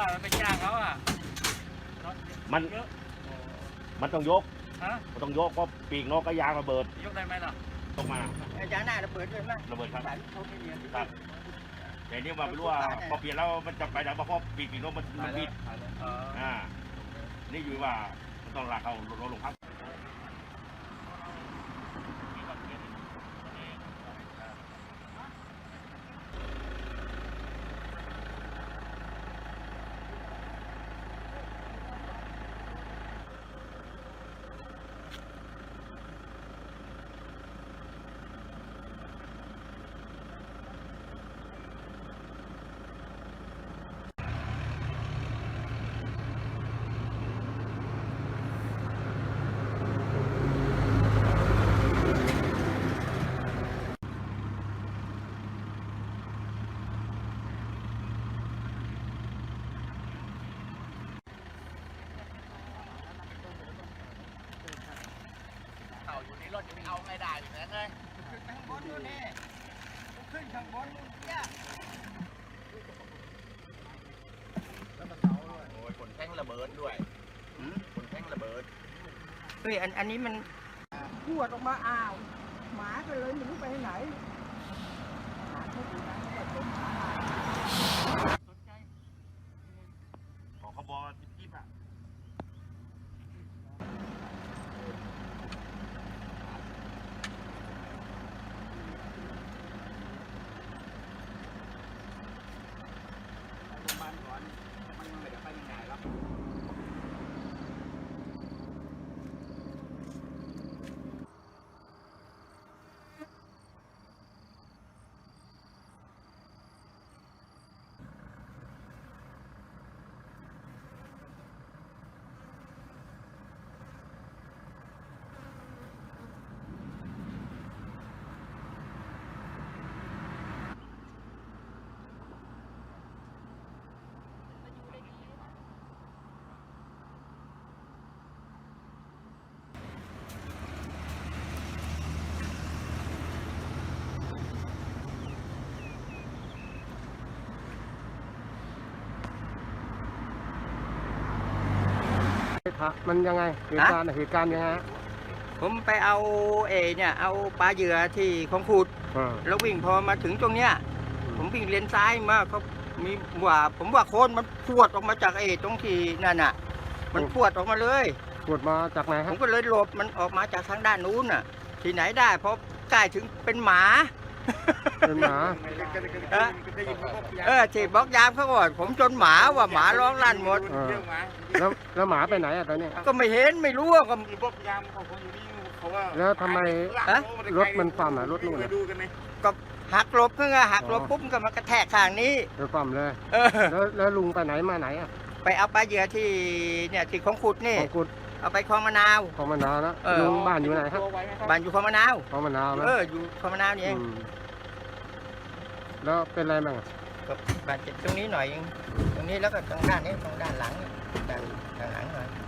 ว่าไปจ้างเขาอ่ะมันเยอะมันต้องยกฮะมันต้องยกเพราะปีกนกก็ยางระเบิดยกได้ไหมล่ะตกมายางหน้าระเบิดเลยมั้ยระเบิดครับเขาไม่เรียนครับแต่นี่ว่าไม่รู้ว่าพอเปลี่ยนแล้วมันจะไปไหนเพราะปีกนกมันบิดนี่อยู่ว่ามันต้องลากเขาลงพักเขาอยู่ในรถจะเอาไม่ได้อยู่แล้วเลยขึ้นข้างบนนู่นนี่ขึ้นข้างบนนู่นเนี่ยโอ้ยขนแท่งระเบิดด้วยขนแท่งระเบิดเฮ้ยอันนี้มันพวดออกมาอ้าวหมาก็เลยไม่รู้ไปไหนหมาเขาดูนะเขาเป็นหมาสนใจของขบวนจิ๊บอ่ะมันก่อนมันไม่ได้ไปยังไงหรอกมันยังไงเหตุการณ์ยังไงผมไปเอาเนี่ยเอาปลาเหยื่อที่ของขุดแล้ววิ่งพอมาถึงตรงเนี้ยผมวิ่งเลนซ้ายมาเขามีผมว่าโคนมันพวดออกมาจากตรงที่นั่นน่ะมันพวดออกมาเลยตรวจมาจากไหนคผรับมก็เลยหลบมันออกมาจากทางด้านนู้นน่ะที่ไหนได้เพราะใกล้ถึงเป็นหมาเป็นหมาฉีดบล็อกยามเขาก่อนผมจนหมาว่าหมาร้องลั่นหมดแล้วหมาไปไหนอ่ะตอนนี้ก็ไม่เห็นไม่รู้ว่าก็มีพวกยามของคนอยู่นี่เขาว่าแล้วทำไมรถมันความรถนู่นดูกันไหมก็หักหลบเพื่อหักหลบปุ๊บก็มากระแทกข้างนี้เดี๋ยวความเลยแล้วลุงไปไหนมาไหนอ่ะไปเอาปลาเหยื่อที่เนี่ยที่ของขุดนี่ของกุดเอาไปคลองมะนาวของมะนาวนะลุงบ้านอยู่ไหนครับบ้านอยู่คลองมะนาวของมะนาวนะอยู่คลองมะนาวนี่เองแล้วเป็นอะไรบ้างก็บาดเจ็บตรงนี้หน่อยเองตรงนี้แล้วก็ตรงด้านนี้ตรงด้านหลังนี่ด้านหลังหน่อย